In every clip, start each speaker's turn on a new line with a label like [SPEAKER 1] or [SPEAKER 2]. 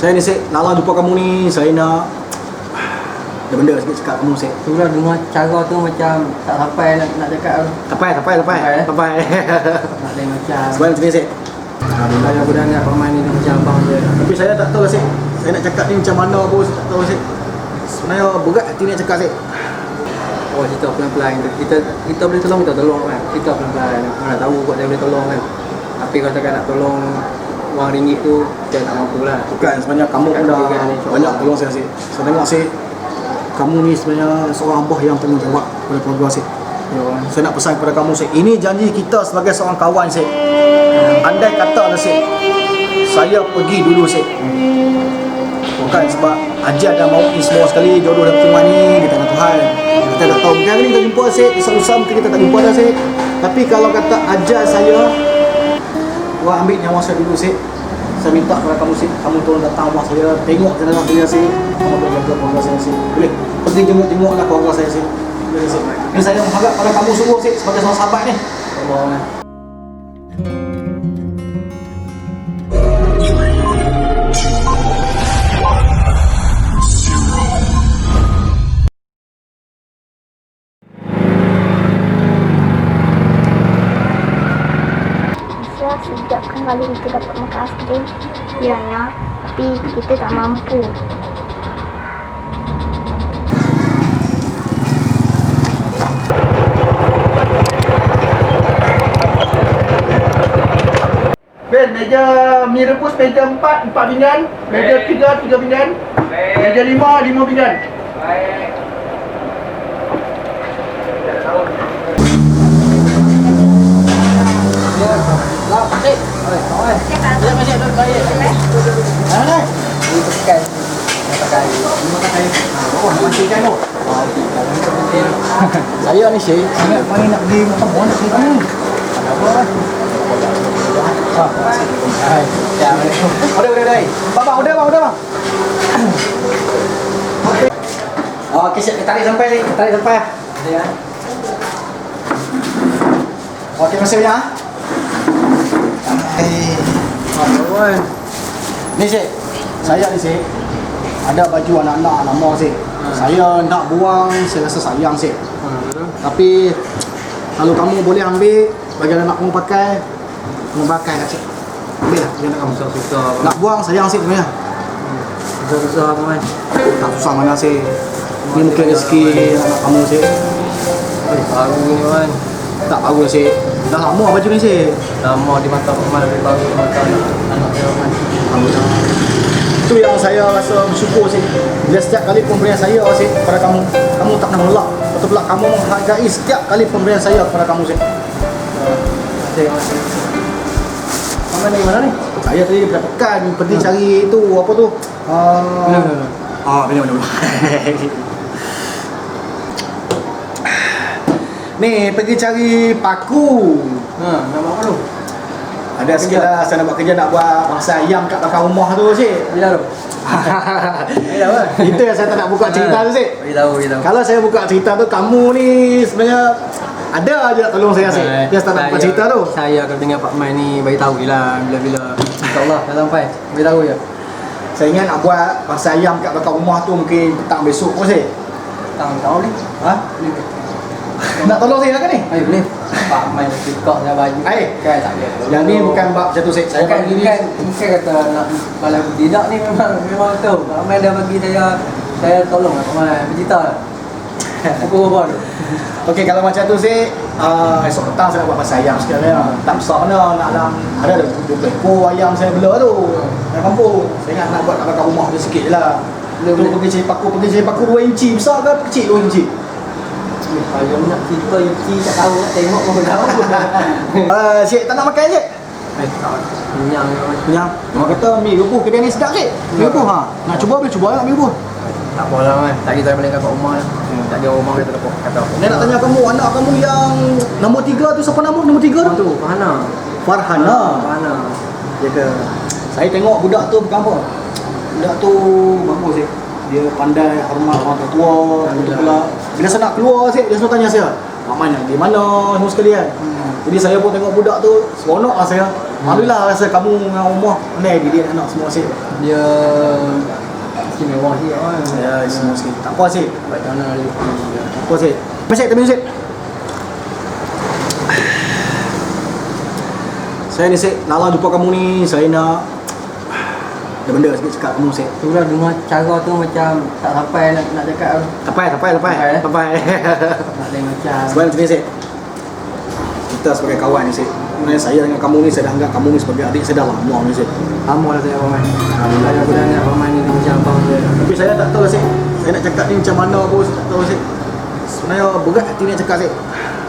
[SPEAKER 1] Saya ni Sik, lala jumpa kamu ni, saya nak ada benda sikit cakap kamu Sik.
[SPEAKER 2] Itulah dengar cara tu macam tak sampai nak cakap tu.
[SPEAKER 1] Sampai.
[SPEAKER 2] Tak ada macam.
[SPEAKER 1] Sebab macam ni Sik.
[SPEAKER 2] Alhamdulillah aku dah anggap pemain ni macam abang je.
[SPEAKER 1] Tapi saya tak tahu Sik. Saya nak cakap ni macam mana pun saya tak tahu Sik. Sebenarnya berat hati nak cakap Sik.
[SPEAKER 2] Oh, kita pelan-pelan. Kita boleh tolong, kita tolong kan. Kita pelan-pelan. Mana tahu kot saya boleh tolong kan. Tapi kalau katakan nak tolong wang ringgit tu, saya tak mampu lah.
[SPEAKER 1] Bukan, sebenarnya kamu pun dah banyak tolong saya Sik. Saya tengok Sik, kamu ni sebenarnya seorang abah yang tanggungjawab kepada keluarga Sik. Saya nak pesan kepada kamu Sik, ini janji kita sebagai seorang kawan Sik. Andai kata lah Sik, saya pergi dulu Sik, bukan sebab ajal dan maut ni semua sekali, jodoh dan pertemuan ni di tangan Tuhan. Kita tak tahu, mungkin hari ni kita jumpa Sik, esok-esok mungkin kita tak jumpa dah Sik. Tapi kalau kata ajal saya, wah ambil nyawa saya dulu Sik, saya minta kepada kamu Sik, kamu tolong datang rumah saya, tengok jenazah saya Sik, kamu boleh jaga keluarga saya Sik. Boleh? Pergi jenguk-jenguklah keluarga saya Sik. Boleh Sik? Ini saya mengharap pada kamu semua Sik, sebagai seorang sahabat ni. Allah.
[SPEAKER 3] Sejak kali kita dapat makan aiskrim kiranya, tapi kita tak mampu.
[SPEAKER 1] Ben, meja mie rebus meja 4 pinggan, meja 3 pinggan, meja 5 pinggan. Saya ni Syed, sangat main nak pergi makan buah nak pergi ni. Udah. Bang, udah bang. Okey, Syed, tarik sampai. Ya. Okey, masih punya. Ni Syed, saya ni Syed, ada baju anak-anak lama Syed. Saya nak buang, saya rasa sayang Syed. Tapi kalau kamu boleh ambil, bagi anak kamu pakai, kamu pakai lah Syed. Ambil lah bagi anak kamu.
[SPEAKER 2] Susah.
[SPEAKER 1] Nak buang sayang Syed sebenarnya.
[SPEAKER 2] Susah apa kan?
[SPEAKER 1] Tak susah mana Syed. Ini mungkin rezeki anak kamu Syed.
[SPEAKER 2] Baru ni kan.
[SPEAKER 1] Tak baru Syed. Dah lama baju ni Syed.
[SPEAKER 2] Lama di mata pemain lebih baru di mata anak dia kan.
[SPEAKER 1] Itu yang saya rasa bersyukur Syed. Bila setiap kali pemberian saya Syed kepada kamu, kamu tak pernah menolak. Betul pula kamu menghargai setiap kali pemberian saya kepada kamu Syed.
[SPEAKER 2] Terima kasih. Kamu dari mana ni?
[SPEAKER 1] Saya tadi daripada Pekan pergi cari tu apa tu? Bila. Ni pergi cari paku.
[SPEAKER 2] Nama apa tu?
[SPEAKER 1] Ada sikit lah, saya nak buat kerja, nak buat mangsa ayam kat belakang rumah tu Syed.
[SPEAKER 2] Bila tu?
[SPEAKER 1] Itu yang saya tak nak buka cerita tu Syed.
[SPEAKER 2] Beritahu.
[SPEAKER 1] Kalau saya buka cerita tu, kamu ni sebenarnya ada aja nak tolong saya Syed. Dia tak nak buka cerita tu.
[SPEAKER 2] Saya akan dengar Pak Mai ni beritahu je lah bila-bila. InsyaAllah dah sampai. Beritahu je.
[SPEAKER 1] Saya ingat nak buat mangsa ayam kat belakang rumah tu mungkin petang besok pun Syed.
[SPEAKER 2] Tahu ni?
[SPEAKER 1] Ha? Nak tolong saya kan ni?
[SPEAKER 2] Ayo boleh. Pak Mai tiktok saya baju. Kan tak boleh.
[SPEAKER 1] Yang ni bukan bab macam tu Syed. Saya
[SPEAKER 2] Bukan,
[SPEAKER 1] bagi ni
[SPEAKER 2] bukan kata nak balas budi. Tak ni memang tu. Pak Mai dah bagi saya tolong lah Pak Mai. Bercerita lah. Pukul berapa tu?
[SPEAKER 1] okey, kalau macam tu Syed, esok petang saya nak buat mangsa ayam sekali lah. Tak besar mana, nak dalam ada 20 ekor ayam saya bela tu. Dari kampung. Saya ingat nak buat kat belakang rumah dia sikit je lah. Tu pergi cari paku 2 inci. Besar ke kecil 2 inci?
[SPEAKER 2] Ayam nak cerita Yuki tak tahu nak tengok pun tahu.
[SPEAKER 1] Syed tak nak makan Syed?
[SPEAKER 2] Kenyang.
[SPEAKER 1] Kenyang. Orang kata mie rebus kedai ni sedap Syed. Mie rebus nak cuba boleh cuba tak mie rebus?
[SPEAKER 2] Tak apalah kan. Tak kita balik kat rumah lah. Tak ada rumah kita dapat kata apa.
[SPEAKER 1] Saya nak tanya kamu, anak kamu yang nombor 3 tu siapa nama nombor 3 tu?
[SPEAKER 2] Tu Farhana.
[SPEAKER 1] Farhana. Dia ke. Saya tengok budak tu bukan apa. Budak tu bagus Syed. Dia pandai hormat orang tua. Betul pula. Bila saya nak keluar Syed, dia selalu tanya saya, "Mak Man di mana?" semua sekali kan. Jadi saya pun tengok budak tu, seronok lah saya. Alhamdulillah rasa kamu dengan umah pandai didik anak semua Sik.
[SPEAKER 2] Dia istimewa sikit kan.
[SPEAKER 1] Ya, semua Sik. Tak apa Sik.
[SPEAKER 2] Baik mana dia.
[SPEAKER 1] Tak apa Sik. Masih tepi Sik. Saya ni Sik, lala jumpa kamu ni, saya nak ada benda sikit cakap kamu Sik.
[SPEAKER 2] Tu lah dengar cara tu macam tak sampai nak cakap tu.
[SPEAKER 1] Tapai.
[SPEAKER 2] Nak lain macam.
[SPEAKER 1] Sebab macam ni Sik. Kita sebagai kawan ni Sik. Sebenarnya saya dengan kamu ni, saya dah anggap kamu ni sebagai adik saya dah lama ni Sik.
[SPEAKER 2] Lama lah saya Paman. Alhamdulillah aku dah anggap Paman ni macam abang saya.
[SPEAKER 1] Tapi saya tak tahu Sik. Saya nak cakap ni macam mana pun saya tak tahu Sik. Sebenarnya berat hati nak cakap Sik.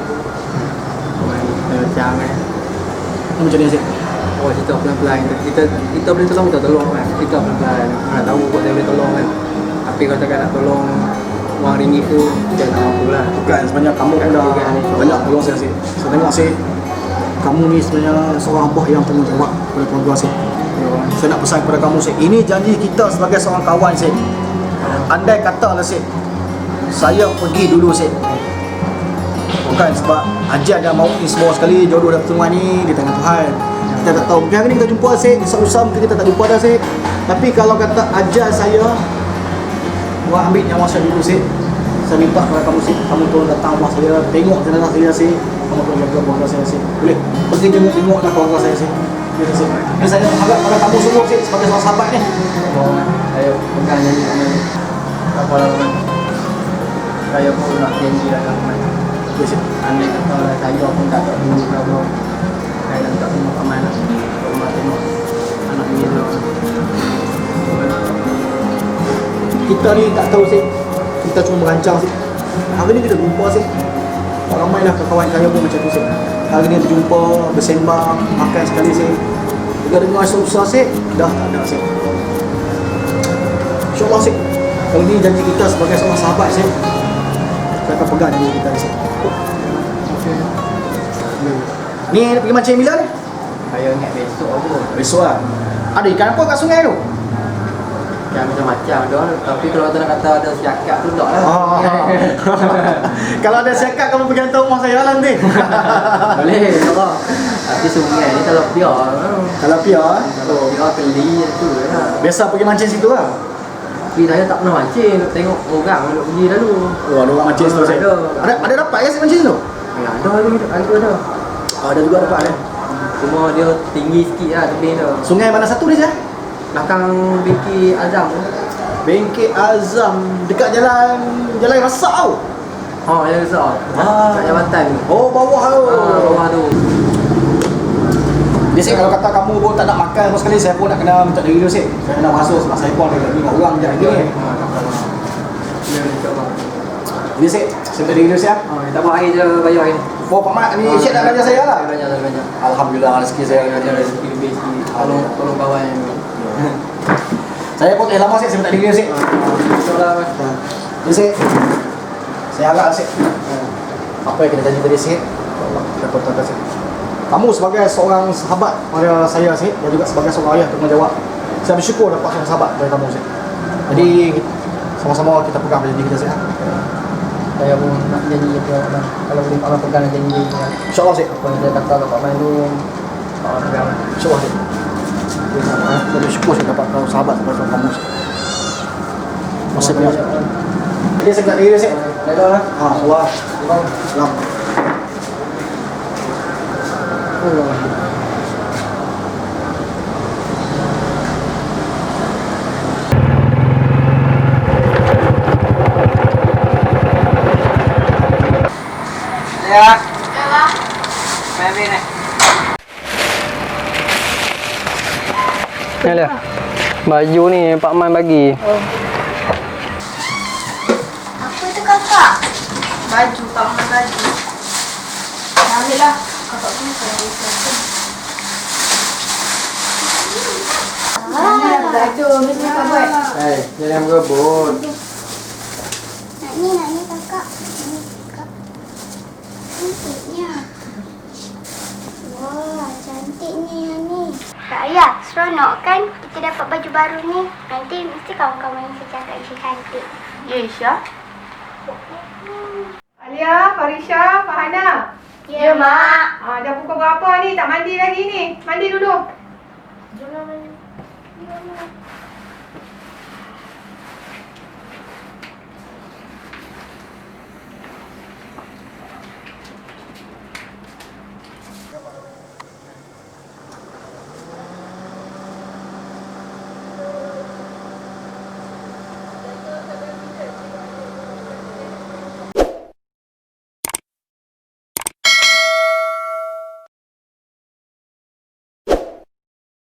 [SPEAKER 2] Macam
[SPEAKER 1] Macam ni Sik.
[SPEAKER 2] oh kita pelan-pelan kita boleh tolong kita tolong kan. Kita pelan-pelan. Mana tahu kok saya boleh tolong kan. Tapi kalau tak nak tolong wang ringgit tu kita tak mampu lah.
[SPEAKER 1] Bukan, sebenarnya kamu pun dah banyak tolong saya Sik. Saya tengok Sik, kamu ni sebenarnya seorang abah yang tanggungjawab kepada keluarga Sik. Saya nak pesan kepada kamu Sik, ini janji kita sebagai seorang kawan Sik. Andai katalah Sik, saya pergi dulu Sik, bukan sebab ajar dan maut ni semua sekali, jodoh dan pertemuan ni di tangan Tuhan. Kita tak tahu, mungkin hari ni kita jumpa Sik, susah mungkin kita tak jumpa dah Sik. Tapi kalau kata ajar saya buat ambil nyawa saya dulu Sik, saya minta kepada kamu Sik, kamu tolong datang rumah saya, tengok jenazah saya Sik, kamu tolong jaga keluarga saya Sik. Boleh? Pergi tengok-tengoklah keluarga saya Sik. Biasa Sik. Ini saya harap pada kamu semua Sik, sebagai seorang sahabat ni.
[SPEAKER 2] Ayo pegang janji Paman. Tak apa lah Paman. Saya pun nak janji lah Paman.
[SPEAKER 1] Boleh Sik.
[SPEAKER 2] Andai kata lah saya pun tak tahu dulu berapa. Saya dah tak tengok Paman lah. Rumah tengok anak ni tu.
[SPEAKER 1] Kita ni tak tahu Sik, kita cuma merancang Sik. Hari ni kita jumpa Sik, ramailah kawan saya pun macam tu Sik. Hari ni berjumpa, bersembang, makan sekali Sik. Dengar susah Sik, dah tak ada Sik. InsyaAllah Sik, kali ni janji kita sebagai seorang sahabat Sik, saya akan pegang janji kita Sik. Ni pergi mancing bila ni?
[SPEAKER 2] Saya ingat besok apa.
[SPEAKER 1] Besok lah. Ada ikan apa kat sungai tu?
[SPEAKER 2] Yang macam-macam dah. Tapi kalau kata nak kata ada siakap tu tak lah.
[SPEAKER 1] Kalau ada siakap kamu pergi hantar rumah saya lah nanti.
[SPEAKER 2] Boleh, tak apa. Tapi sungai ni kalau piar.
[SPEAKER 1] Kalau piar,
[SPEAKER 2] Kalau piar keli tu lah.
[SPEAKER 1] biasa pergi mancing situ lah.
[SPEAKER 2] Tapi saya tak pernah mancing. Tengok orang duduk pergi dulu.
[SPEAKER 1] Oh, ada orang mancing situ saya. Ada dapat ke si mancing tu?
[SPEAKER 2] Ya, ada.
[SPEAKER 1] Ada juga dapat ada.
[SPEAKER 2] Cuma dia tinggi sikit lah tebing tu.
[SPEAKER 1] Sungai mana satu ni saya?
[SPEAKER 2] Belakang bengkel Azam tu.
[SPEAKER 1] Bengkel Azam dekat jalan Rasak tau.
[SPEAKER 2] Oh, yang besar. Kat jabatan tu.
[SPEAKER 1] Oh, bawah tu.
[SPEAKER 2] Bawah tu.
[SPEAKER 1] Dia Sik, kalau kata kamu pun tak nak makan apa sekali, saya pun nak kena minta diri dulu Sik. Saya kena masuk sebab saya pun ada lagi 5 orang je lagi ni.
[SPEAKER 2] Ya, insyaAllah.
[SPEAKER 1] Jadi Sik, saya minta diri dulu Sik lah.
[SPEAKER 2] Tak apa, air je bayar air ni.
[SPEAKER 1] Oh, Pak Mat ni Syed nak belajar saya lah.
[SPEAKER 2] Banyak.
[SPEAKER 1] Alhamdulillah rezeki saya
[SPEAKER 2] Ada rezeki lebih sikit. Tolong kawan yang ni.
[SPEAKER 1] Saya pun lama Sik, saya minta diri dulu Sik.
[SPEAKER 2] InsyaAllah.
[SPEAKER 1] Jadi Sik, saya harap Sik, apa yang kita janji tadi Sik, Allah kita pertahankan Sik. Kamu sebagai seorang sahabat pada saya Sik, dan juga sebagai seorang ayah tanggungjawab, saya bersyukur dapat seorang sahabat dari kamu Sik. Jadi sama-sama kita pegang janji kita Sik.
[SPEAKER 2] Saya pun nak janji apa. Kalau boleh Allah pegang janji dia.
[SPEAKER 1] InsyaAllah Sik.
[SPEAKER 2] Apa yang saya kata kat Pak Man tu, Allah pegang.
[SPEAKER 1] InsyaAllah Sik. Saya bersyukur Sik dapat sahabat seperti kamu Sik. Masih banyak Sik. Jadi saya minta diri Sik.
[SPEAKER 2] Dah lah.
[SPEAKER 1] Allah. Salam.
[SPEAKER 2] Ya. Main ni. Ni lah. Baju ni Pak Man bagi.
[SPEAKER 3] Apa tu kakak? Baju, Pak Man baju. Ambil lah. Kakak pun saya bagi. Baju, mesti kakak buat.
[SPEAKER 2] Jangan berebut.
[SPEAKER 3] Nak ni kakak. Ni kakak. Cantiknya. Wah, cantiknya yang ni. Kak Ayah, seronok kan kita dapat baju baru ni. Nanti mesti kawan-kawan yang cakap Isha cantik.
[SPEAKER 4] Ya, Isha. Alia, Farisha, Fahana.
[SPEAKER 3] Ya, Mak.
[SPEAKER 4] Dah pukul berapa ni? Tak mandi lagi ni. Mandi dulu.
[SPEAKER 3] Jangan